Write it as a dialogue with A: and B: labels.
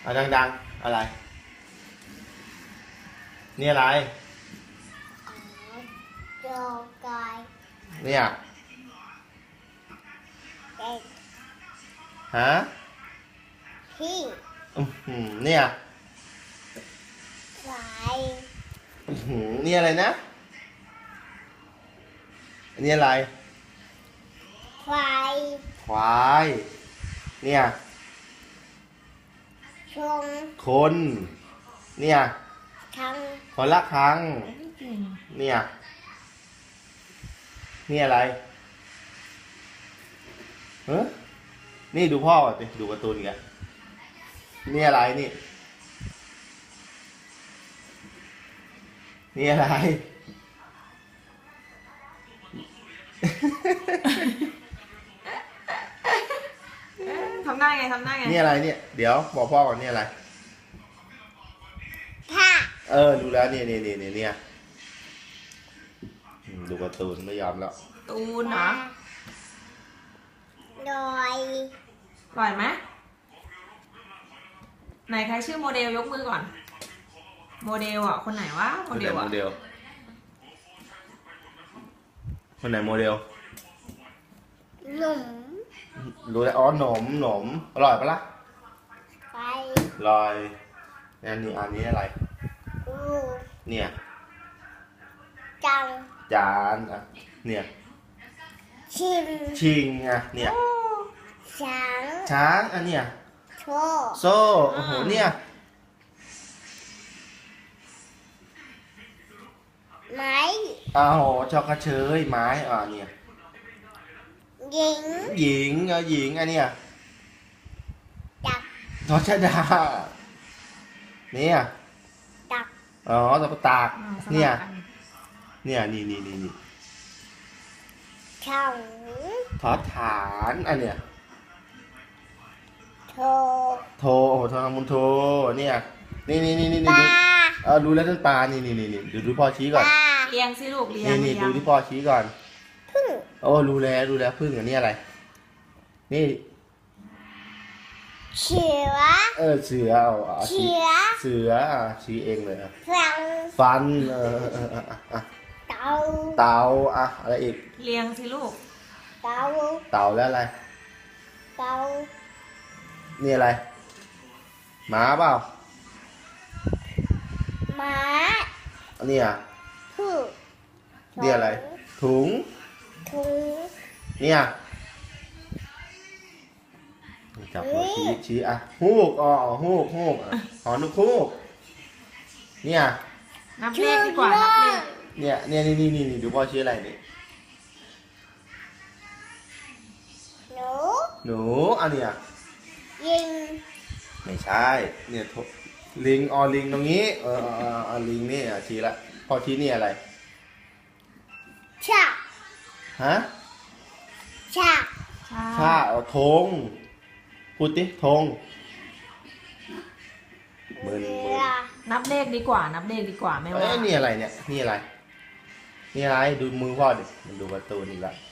A: เอาดังๆอะไรนี่อะไร
B: โยกาย
A: เนี่ย
B: เด็ก
A: ฮะ
B: พี่
A: เนี่ย
B: ไฟ
A: นี่อะไรนะนี่อะไร
B: ไฟ
A: ควายเนี่ย
B: ชง
A: คนเนี่ย
B: ทั้ง
A: คนละครั้งเนี่ยนี่อะไรนี่ดูพ่อก่อนดิดูการ์ตูนกันนี่อะไรนี่นี่อะไร
C: ทำได้ไงทำได้ไง
A: นี่อะไรเนี่ยเดี๋ยวบอกพ่อก่อนนี่อะไร
B: ผ้า
A: ดูแล้วเนี่ยดูการ์ตูนไม่ยอมแล้ว
C: ตูนเหรอ
B: ลอย
C: ปล่อยไหมไหนใครชื่อโมเดลยกมือก่อน โมเดลอ่ะคนไหนวะโมเดลอ่ะ
A: คนไหนโมเดล
B: หนุ่ม
A: รู้แล้วอ๋อหนมอร่อยปะล่ะ
B: ไฟ
A: ลอยอันนี้อะไร
B: กู
A: เนี่ย
B: จัง
A: จานอ่ะเนี่ยชิงอ่ะเนี่ยช้างอันเนี่ยโซ่โอ้โหเนี่ย
B: ไม้
A: ชอกกระเชยไม้เนี่ย
B: หญิง
A: หญิงอันเนี้ย
B: จัก
A: ทอชดาเนี่ย
B: ตัก
A: ตะปตากเนี่ยนี่
B: ช่อง
A: ทอฐานอันเนี้ยโทโทมุนโทเนี่ยนี่
B: ปลา
A: รู้แล้วนั่นปลานี่ดูพ่อชี้ก่อน
C: เลี้ยงสิลูกเลี้ยง
A: นี่ดูที่พ่อชี้ก่อน
B: พึ่ง
A: รู้แล้วพึ่งอันนี้อะไรนี่
B: เสือ
A: เสือชี้เองเลยฟันเต่าอะไรอีก
C: เลี้ยงสิลูก
B: เต่า
A: แล้วอะไร
B: เต่า
A: นี่อะไรหมาเปล่า
B: หมา
A: อันนี้นี่อะไรถุงเนี่ยจับหัวชี้ฮูกฮูกหอนุกฮูกเนี่ย
C: นับเลขดีกว่านับเลข
A: เนี่ยนี่ดูพ่อชี้อะไรนี่หนูอันเนี้ย
B: ยิง
A: ไม่ใช่เนี่ยลิงลิงตรงนี้ลิงนี่ชี้ละพอชี้นี่อะไร
B: ชา
A: ฮะ
B: ชา
A: ธงพูดดิธงมือ
C: นับเลขดีกว่านับเลขดีกว่าไม่ว่า
A: นี่อะไรเนี่ยนี่อะไรดูมือพ่อดิมันดูการ์ตูนอีกแล้ว